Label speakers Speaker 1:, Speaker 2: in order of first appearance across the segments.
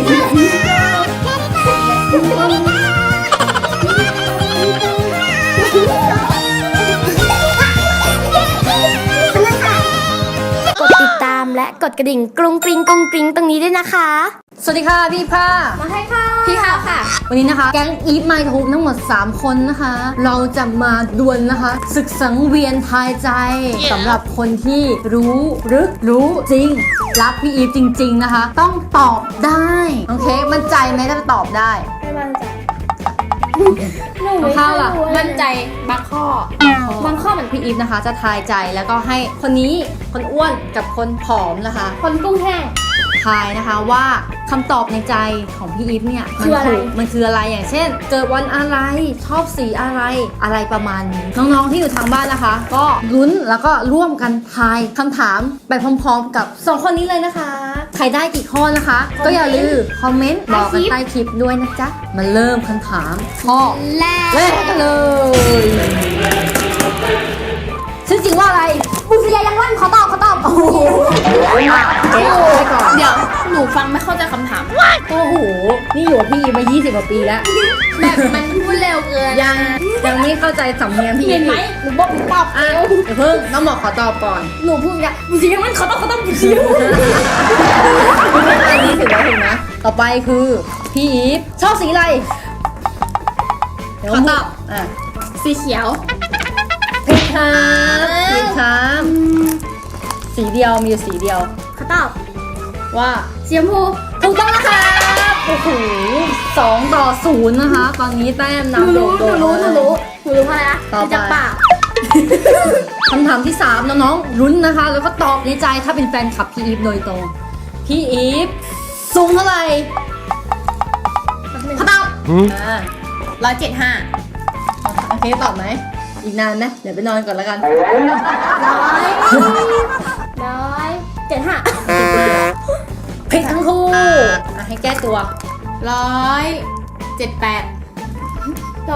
Speaker 1: กดติดตามและกดกระดิ่งกรุงกริงกรุงกริงตรงนี้ด้วยนะคะ
Speaker 2: สวัสดีค่ะพี่ผ้า
Speaker 1: มาให้ค่ะพี่ข้าวค่ะ
Speaker 2: วันนี้นะคะแก๊งอีฟไมทูบทั้งหมด3คนนะคะเราจะมาดวลนะคะศึกสังเวียนทายใจสำหรับคนที่รู้ลึกรู้จริงรักพี่อีฟจริงๆนะคะต้องตอบได้โอเคมั่นใจไหมถ้าตอบได้
Speaker 1: ไม่มั่นใจ
Speaker 2: ข้าวล่ะ
Speaker 1: มั่นใจบางข้
Speaker 2: เหมือนพี่อีฟนะคะจะทายใจแล้วก็ให้คนนี้คนอ้วนกับคนผอมนะคะ
Speaker 1: คนกุ้งแห้ง
Speaker 2: ทายนะคะว่าคำตอบในใจของพี่อีฟเนี่ยมันคืออะไรอย่างเช่นเกิดวันอะไรชอบสีอะไรประมาณนี้น้องๆที่อยู่ทางบ้านนะคะก็ลุ้นแล้วก็ร่วมกันทายคำถามไปพร้อมๆกับ2คนนี้เลยนะคะใครได้กี่ข้อนะคะก็อย่าลืมคอมเมนต์บอกกันใต้คลิปด้วยนะจ๊ะมาเริ่มคำถามข้อแรกกันเลยชื่อจริงว่าอะไร
Speaker 1: บุษยายังวันเขาตอบ
Speaker 2: โอ้โหเจ๊ไปก่อน
Speaker 1: เดี๋ยวหนูฟังไม่เข้าใจคำถาม
Speaker 2: โอ้โหนี่อยู่กับพี่มา20 กว่าปีแล้ว
Speaker 1: แบบมันพูดเร็วเกิน
Speaker 2: ยังไม่เข้าใจสำเนียงพี่
Speaker 1: เห็นไหมหนูบอกหนูตอบ
Speaker 2: เดี๋ยวเพิ่งน้องหมอขอตอบก่อน
Speaker 1: หนูพูดอย่างบุษยายังวันเขาตอบบุษยา
Speaker 2: อันนี้ถือว่าถูกนะต่อไปคือพี่อีฟชอบสีอะไร
Speaker 1: ขอตอบสีเขียว
Speaker 2: ผิดครับสีเดียวมีสีเดียว
Speaker 1: เขาตอบ
Speaker 2: ว่า
Speaker 1: สีชมพู
Speaker 2: ถูกต้องนะคะโอ้โห2-0นะคะตอนนี้แต้มนำโดด
Speaker 1: หนูรู้เพราะอะไรนะ
Speaker 2: ต่อไป
Speaker 1: จากปาก
Speaker 2: คำถามที่3น้องๆลุ้นนะคะแล้วก็ตอบในใจถ้าเป็นแฟนคลับพี่อีฟโดยตรงพี่อีฟสูงเท่าไหร่
Speaker 1: เขาตอบ
Speaker 2: 175โอเคตอบไหมอีกนานไหมเดี๋ยวไปนอนก่อนแล้วกัน
Speaker 1: 175
Speaker 2: ผิดทั้งคู่ให้แก้ตัว
Speaker 1: 178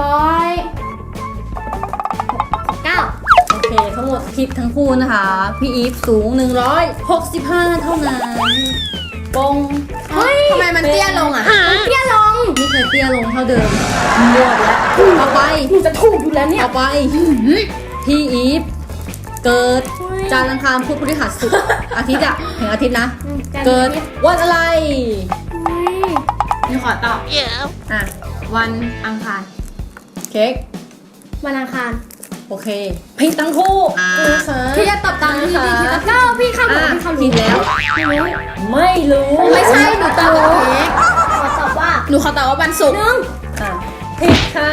Speaker 2: โอเคทั้งหมดผิดทั้งคู่นะคะพี่อีฟสูง165เท่านั้นปง
Speaker 1: เฮ้ยทำไมมันเตี้ยลงอ่ะเตี้ยลง
Speaker 2: ไม่เคยเตี้ยลงเท่าเดิมหมดแล้วต่อไป
Speaker 1: จะถูกอยู่แล้วเนี่ย
Speaker 2: ต่อไปพี่อีฟเกิดจันทร์อังคารพุธพฤหัสศุกร์อาทิตย์อะถึงอาทิตย์นะเกิดวันอะไร
Speaker 1: นี่ขอตอบวันอังคาร
Speaker 2: เค้ก
Speaker 1: วันอังคาร
Speaker 2: โอเคผิดทั้งคู่
Speaker 1: พี่จะตอบตามพี่ดีก็พี่เข้าบอกพี่เข้า
Speaker 2: ผิดแล้วไม่รู้
Speaker 1: ไม่ใช่หนูตอบเค้กขอตอบว่าหนูขอตอบว่าวันศุกร์
Speaker 2: ผิดค่ะ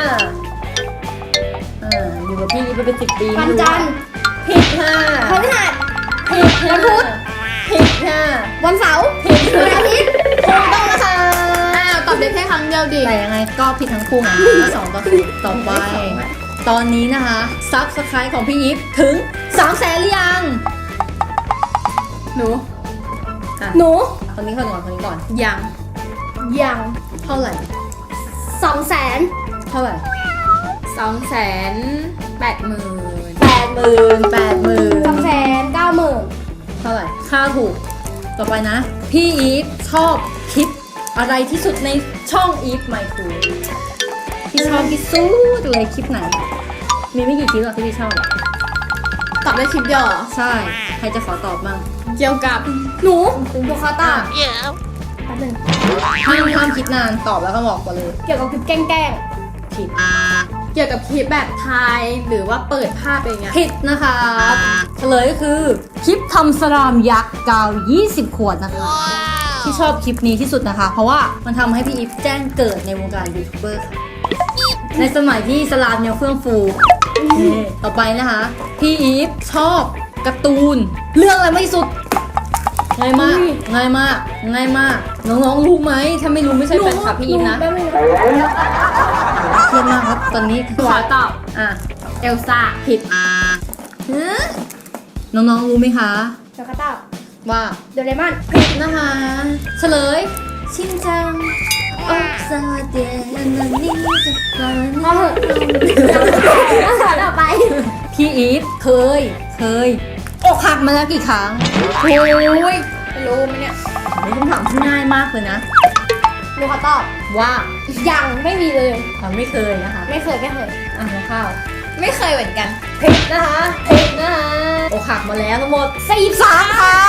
Speaker 2: อยู่กับพี่ไปเป็น10 ปี
Speaker 1: วันจันทร์
Speaker 2: ผิดค่ะ
Speaker 1: พฤหัส
Speaker 2: ผิดค่ะ
Speaker 1: วันพุธ
Speaker 2: ผิดค่ะ
Speaker 1: วันเสาร์
Speaker 2: ผิด
Speaker 1: วันอาทิตย์
Speaker 2: ถูกต้องนะคะ
Speaker 1: ตอบได้แค่ครั้งเดียวดิ
Speaker 2: แต่ยังไงก็ผิดทั้งคู่นะ2-0ต่อไปตอนนี้นะคะซับสไครต์ของพี่อีฟถึง300,000หรือยัง
Speaker 1: หนู
Speaker 2: คนนี้ก่อน
Speaker 1: ยัง
Speaker 2: เท่าไหร่
Speaker 1: 200,000
Speaker 2: เท่าไหร่
Speaker 1: 280,000 290,000
Speaker 2: เท่าไหร่ค่าถูกต่อไปนะพี่อีฟชอบคลิปอะไรที่สุดในช่องอีฟไมค์คูพี่ชอบที่สุดเลยคลิปไหนมีไม่กี่คลิปหรอกที่พี่ชอบ
Speaker 1: ตอบได้คลิปเดียว
Speaker 2: ใช่ใครจะขอตอบบ้าง
Speaker 1: เกี่ยวกับหนูขอตอบ
Speaker 2: ห้ามคิดนานตอบแล้วก็บอกไปเลย
Speaker 1: เกี่ยวกับคลิปแกล้ง
Speaker 2: ผิด
Speaker 1: เกี่ยวกับคลิปแบบทายหรือว่าเปิดภาพอะไรเงี้ย
Speaker 2: ผิดนะคะเฉลยก็คือคลิปทำสลามยักษ์กาว20 ขวดนะคะที่ชอบคลิปนี้ที่สุดนะคะเพราะว่ามันทำให้พี่อีฟแจ้งเกิดในวงการยูทูบเบอร์ค่ะในสมัยที่สลามยังเฟื่องฟูต่อไปนะคะพี่อีฟชอบการ์ตูนเรื่องอะไรมากที่สุดง่ายมากน้องๆรู้ไหมถ้าไม่รู้ไม่ใช่แฟนคลับพี่อีฟนะเครียดมากครับตอนนี้
Speaker 1: ขอตอบเอลซ่า
Speaker 2: ผิดน้องๆรู้ไหมคะ
Speaker 1: จะตอบ
Speaker 2: ว่า
Speaker 1: โดเรมอน
Speaker 2: ผิดนะคะเฉลยชินจังโอ้ซาเดนันนี่จะพอ
Speaker 1: เหอะต่อไป
Speaker 2: พี่อีฟเคยอกหักมาแล้วกี่ครั้ง
Speaker 1: โอ้ยไม่รู้ไหมเนี่ย
Speaker 2: นี่คำถามที่ง่ายมากเลยนะ
Speaker 1: หนูขอตอบ
Speaker 2: ว่า
Speaker 1: ยังไม่มีเลย
Speaker 2: ไม่เคยนะคะ
Speaker 1: ไม่เคยไม่เคย
Speaker 2: อ่ะน้องข้าว
Speaker 3: ไม่เคยเหมือนกัน
Speaker 2: ผิดนะคะผิดนะคะอกหักมาแล้วทั้งหมด43ค่ะ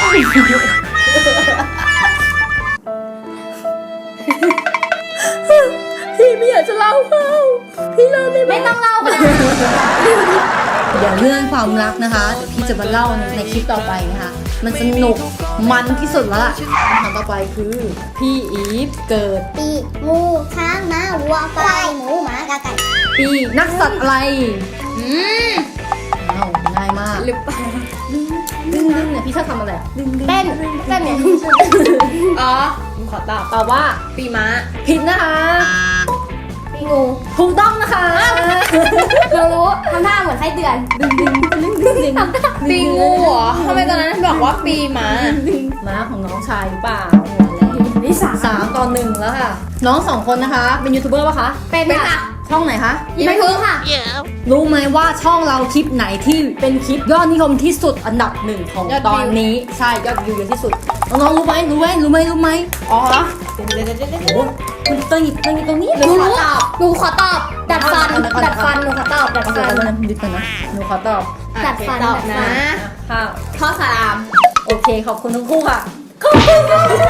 Speaker 2: พี่ไม่อยากจะเล่าเขาพี่เล่าได้ไหม
Speaker 1: ไม่ต้องเล่าก็ได้
Speaker 2: เดี๋ยวเรื่องความรักนะคะเดี๋ยวพี่จะมาเล่าในคลิปต่อไปนะคะ มันสนุกมันที่สุดแล้วล่ะคำถามต่อไปคือพี่อีฟเกิด
Speaker 1: ปีงูช้างม้าวัวควายหมูหมากาไก่
Speaker 2: ปีนักสัตว์อะไร
Speaker 3: อืม
Speaker 2: อ้าวง่ายมาก
Speaker 3: หรือเปล่า
Speaker 2: ดึงเนี่ยพี่ชอบทำอะไรอะดึง
Speaker 1: เต้นเนี่ย
Speaker 3: อ๋อผมขอตอบ
Speaker 2: ตอบว่า
Speaker 3: ปีม้า
Speaker 2: ผิดนะคะ
Speaker 1: ปีงู
Speaker 2: ถูกต้องนะคะ
Speaker 1: เรารู้ทำท่าเหมือนไส้เดือน
Speaker 2: ดึงดึง
Speaker 3: ปีงูเหรอทำไมตอนนั้นบอกว่าปีม้า
Speaker 2: ม้าของน้องชายหรือเปล่า
Speaker 1: นี่สาม
Speaker 2: 3-1แล้วค่ะ น้อง2คนนะคะ เป็นยูทูบเบอร์ปะคะ
Speaker 1: เป็นค่ะ
Speaker 2: ช่องไหนคะ
Speaker 1: ไม่รู้ค่ะ
Speaker 2: รู้ไหมว่าช่องเราคลิปไหนที่เป็นคลิปยอดนิยมที่สุดอันดับ1ของ
Speaker 3: ยอดวิว
Speaker 2: ตอนนี้ใช่ยอดวิวเยอะที่สุดน้องๆรู้ไหม
Speaker 3: อ๋อ
Speaker 2: โอ้คุณเตยตรงนี้
Speaker 1: หนูรู้หนูขอตอบ ดัดฟัน ดัดฟัน หนูขอตอบ ดัด
Speaker 2: เอา
Speaker 1: ฟัน
Speaker 2: เดี๋ยวนะดิดกันนะหนูขอตอบ
Speaker 1: ดัดฟัน
Speaker 3: ตอบ
Speaker 1: ดัดฟั
Speaker 3: นะ
Speaker 1: น
Speaker 2: ค่ะ
Speaker 3: ข้อสาม
Speaker 2: โอเคขอบคุณทั้งคู่ค่ะขอบคุณ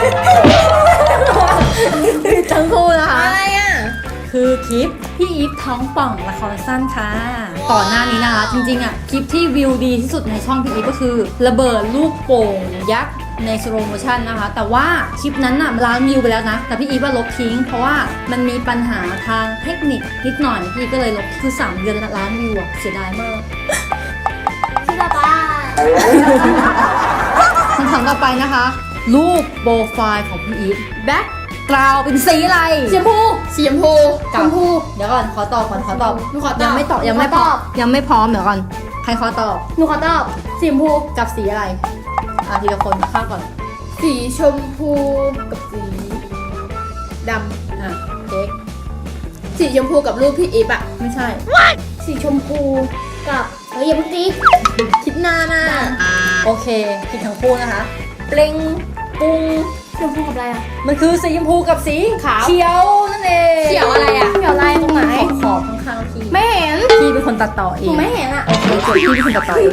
Speaker 2: ทั้งคู่นะคะ
Speaker 3: อะไรอ่ะ
Speaker 2: คือคลิปพี่อีฟท้องป่องละครสั้นค่ะก่อนหน้านี้นะคะ จริงๆอ่ะคลิปที่วิวดีที่สุดในช่องพี่อีฟก็คือ ระเบิดลูกโป่งยักษ์ในสโลโมชั่นนะคะ แต่ว่าคลิปนั้นน่ะล้านวิวไปแล้วนะ แต่พี่อีฟว่าลบทิ้ง เพราะว่ามันมีปัญหาทางเทคนิคนิดหน่อยพี่ก็เลยลบคือ3 เดือนล้านวิวอ่ะเสียดายมาก
Speaker 1: ชื่อตาตา
Speaker 2: คำถามต่อไปนะคะ รูปโปรไฟล์ของพี่อีฟแบ็คกราวเป็นสีอะไร
Speaker 1: สีชมพู
Speaker 3: สีชมพู
Speaker 1: ชมพู
Speaker 2: เดี๋ยวก่อนขอตอบก่อนขอตอบ
Speaker 3: หนูขอตอบ
Speaker 2: ยังไม่ตอบยังไม่พร้อมยังไม่พร้อมเดี๋ยวก่อนใครขอตอบ
Speaker 1: หนูขอตอบ สีชมพู
Speaker 2: กับสีอะไรทีละคนข้ามก่อน
Speaker 3: สีชมพูกับสีด
Speaker 2: เค้ก
Speaker 3: ำสีชมพูกับรูปพี่อีฟอะ
Speaker 2: ไม่ใช่
Speaker 1: สีชมพูกับอย่าเพิ่งตี
Speaker 3: คิดนานอ่ะ
Speaker 2: โอเคผิดทั้งคู่นะคะเปล่งปุง
Speaker 1: ชมพูกับอะไรอ่ะ
Speaker 2: มันคือสีชมพูกับสี
Speaker 3: ขาว
Speaker 2: เขียวนั่นเอง
Speaker 3: เขียวอะไรอ่ะ
Speaker 1: เขียวลายตรงไหน
Speaker 2: ขอบข้างๆพี่
Speaker 1: ไม่เห็น
Speaker 2: พี่เป็นคนตัดต่อเอ
Speaker 1: หนู
Speaker 2: ง
Speaker 1: ไม่เห็นอ่ะ
Speaker 2: โอเคจบพี่เป็นคนตัดต่อเอง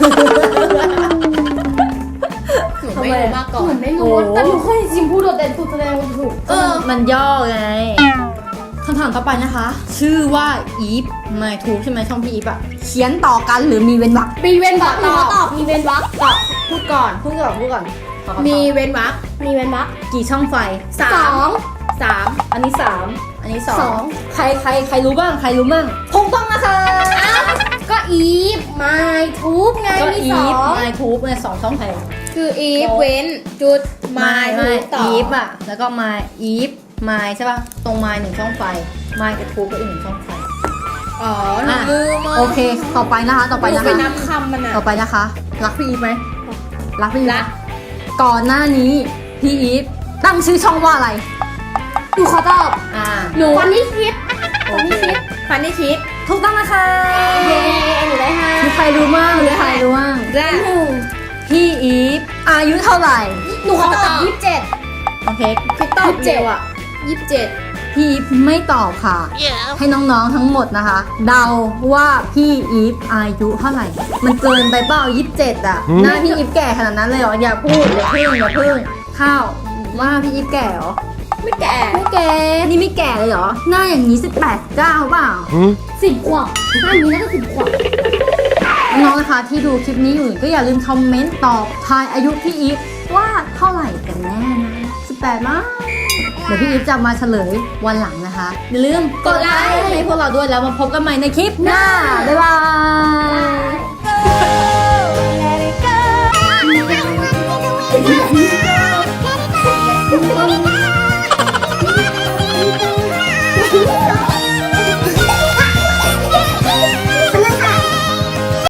Speaker 3: หนูไม่รู้มาก่อ
Speaker 1: หนู
Speaker 3: น
Speaker 1: ไม่รู้ แต่หนูเคยเห็นสีชมพูโดดเด่นสุดแสดงว่าถูก
Speaker 2: มันย่อไงคำถามต่อไปนะคะ ชื่อว่าอีฟไม่ถูกใช่ไหมช่องพี่อีฟอะเขียนต่อกันหรือมีเว้นวรรค
Speaker 1: มีเว้นวรรคหนูขอตอบ มีเว้นวรรค
Speaker 3: ตอบพูดก่อน
Speaker 2: พูดก่อนขอตอบ
Speaker 3: มีเว้นวรรค
Speaker 1: มีเว้นวรรค
Speaker 2: กี่ช่องไฟ
Speaker 3: สา
Speaker 1: สอ
Speaker 3: ม
Speaker 1: ง
Speaker 3: สาม
Speaker 2: อันนี้3อันนี้
Speaker 1: สอง
Speaker 2: 2ใครรู้บ้างถูกต้องนะคะ
Speaker 1: ก็อีฟไม่ทูบไง
Speaker 2: ก็
Speaker 1: มี
Speaker 2: อี
Speaker 1: สอ
Speaker 2: ฟ
Speaker 1: ง
Speaker 2: ไมทูบเนี่ย2ช่องไฟ
Speaker 3: คืออีฟเว้นจุดไม้
Speaker 2: ไม่
Speaker 3: ต่อ
Speaker 2: อีฟอะแล้วก็มาอีฟไมใช่ป่ะตรงไม1ช่องไฟไมกับทูบก็อีก1ช่องไฟ
Speaker 3: อ๋อหนูลืมะ
Speaker 2: โอเค ต่อไปนะคะ
Speaker 3: หนูไปนับคำมันอ่ะ
Speaker 2: ต่อไปนะคะ รักพี่อีฟไหมรักพี่อีฟ
Speaker 3: รัก
Speaker 2: ก่อนหน้านี้พี่อีฟตั้งชื่อช่องว่าอะไร
Speaker 1: หนูขอตอบ
Speaker 3: หนู
Speaker 1: วันนี้คิด
Speaker 2: โอ
Speaker 1: วัน
Speaker 2: เค
Speaker 1: นี้คิด
Speaker 3: ฟันนี่คิด
Speaker 2: ถูกต้องนะคะ
Speaker 1: เย้หนูได้ห้า
Speaker 2: มีใครรู้มั่ง
Speaker 3: แรก
Speaker 1: หนึ่ง
Speaker 2: พี่อีฟอายุเท่าไหร่
Speaker 1: หนูขอตอบ27
Speaker 2: โอเค
Speaker 3: คิดตอบเร็วอ่ะ27
Speaker 2: พี่อีฟไม่ตอบค่ะ ให้น้องๆทั้งหมดนะคะ เดาว่าพี่อีฟอายุเท่าไหร่ มันเกินไปเปล่า27อ่ะหน้าพี่อีฟแก่ขนาดนั้นเลยเหรออย่าพูดอย่าพึ่งข้าวว่าพี่อีฟแก่เหรอ
Speaker 3: ไม่แก่
Speaker 2: ไม่แก่นี่ไม่แก่เลยเหรอหน้าอย่างนี้18 9เปล่า
Speaker 1: 10 ขวบถ้าอย่างนี้น่าจะ10 ขวบ
Speaker 2: น้องๆนะคะที่ดูคลิปนี้อยู่ก็อย่าลืมคอมเมนต์ตอบทายอายุพี่อีฟว่าเท่าไหร่กันแน่นะ18มั้งเดี๋ยวพี่อีฟจะมาเฉลยวันหลังนะคะอย่าลืมกดไลค์ให้พวกเราด้วยแล้วมาพบกันใหม่ในคลิปหน้าบ๊ายบาย
Speaker 1: Let it go